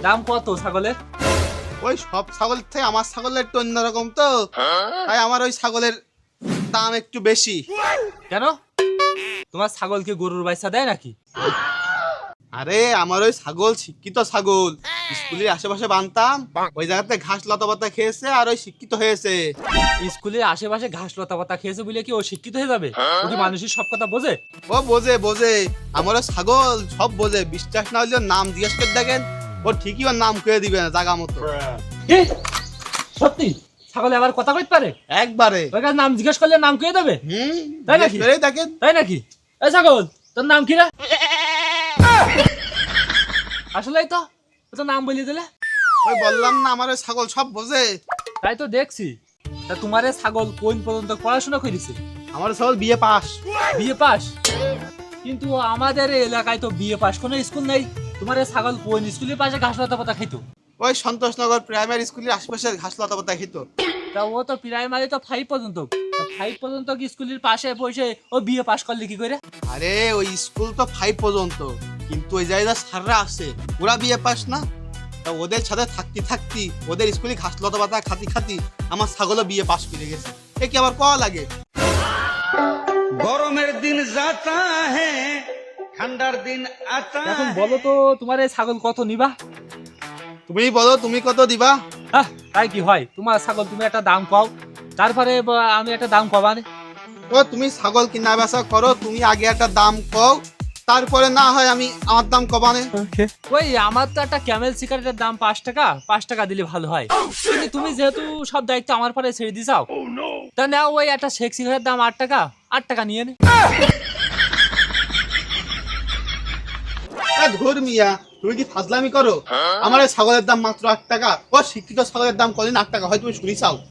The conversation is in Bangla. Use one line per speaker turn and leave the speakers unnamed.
দাম কত ছাগলের?
ওই সব ছাগলের থেকে আমার ছাগলের একটু অন্যরকম তো, তাই আমার ওই ছাগলের দাম একটু বেশি।
কেন, তোমার ছাগল কি গরুর বাইসা দেয় নাকি?
আরে আমার ওই ছাগল শিক্ষিত ছাগল, স্কুলের আশেপাশে বানতাম, ওই জায়গাতে ঘাস লতা পাতা খেয়েছে আর ওই শিক্ষিত হয়েছে।
স্কুলের আশেপাশে ঘাস লতা পাতা খেয়েছে বলে কি ও শিক্ষিত হয়ে যাবে? ও কি মানুষের সব কথা বোঝে?
ও বোঝে বোঝে, আমার ওই ছাগল সব বোঝে। বিশ্বাস না হলে ওর নাম জিজ্ঞেস করে দেখেন, ও ঠিকই ওর নাম করে দিবে না জাগা মতো।
কি সত্যি ছাগলে আবার কথা কইতে পারে?
একবারে
ওই কাছে নাম জিজ্ঞেস করলে নাম কয়ে দেবে? তাই নাকি?
জিজ্ঞেস করেই দেখেন।
তাই নাকি? এই ছাগল, তোর নাম কি রে? আসলেই তো, ও তো নাম বলিয়ে দিলে।
ওই বললাম না আমার ওই ছাগল সব বোঝে।
তাই তো দেখছি। তা তোমার এই ছাগল কোন পর্যন্ত পড়াশোনা করেছে?
আমার ছাগল বিয়ে পাস।
BA pass? কিন্তু আমাদের এই এলাকায় তো বিএ পাস কোনো স্কুল নেই। তোমার এই ছাগল কোন স্কুলের পাশে ঘাস লতা পাতা খাইতো?
ওই সন্তোষনগর প্রাইমারি স্কুলের আশেপাশে ঘাস লতা পাতা খেত।
তা ও তো প্রাইমারি তো 5 পর্যন্ত। 5 পর্যন্ত কি স্কুলের পাশে বসে ও বিএ পাস করলে কি করে?
আরে ওই স্কুল তো 5 পর্যন্ত, কিন্তু ওই জায়গায় স্যাররা আছে ওরা বিয়ে পাস না। তা ওদের সাথে থাকতি ওদের স্কুলে ঘাস লতা পাতা খাতি আমার ছাগলও বিয়ে পাস করে গেছে। এ কি আবার কওয়া লাগে?
গরমের দিন যাতা হ্যাঁ, ঠান্ডার দিন আতা।
এখন বলো তো তোমার এই ছাগল কত নিবা?
তুমি বলো তুমি কত দিবা?
তাই কি হয়, তোমার ছাগল তুমি একটা দাম কও, তারপরে আমি একটা দাম কবানে।
ও তুমি ছাগল কিনা বেচা করো, তুমি আগে একটা দাম কও, তারপরে না হয় আমি আমার দাম কবানে।
ওই আমার তো একটা ক্যামেল সিগারেটের দাম 5 টাকা, 5 টাকা দিলে ভালো হয়। কিন্তু তুমি যেহেতু সব দায়িত্ব আমার পরে ছেড়ে দিছাও, তা নাও ওই একটা শেখ সিগারেটের দাম 8 টাকা, 8 টাকা নিয়ে নে।
ধর মিয়া, তুমি কি ফাজলামি করো? আমার এই ছাগলের দাম মাত্র 8 টাকা, ও শিক্ষিত ছাগলের দাম কদিন 8 টাকা হয় তুমি শুনি চাও?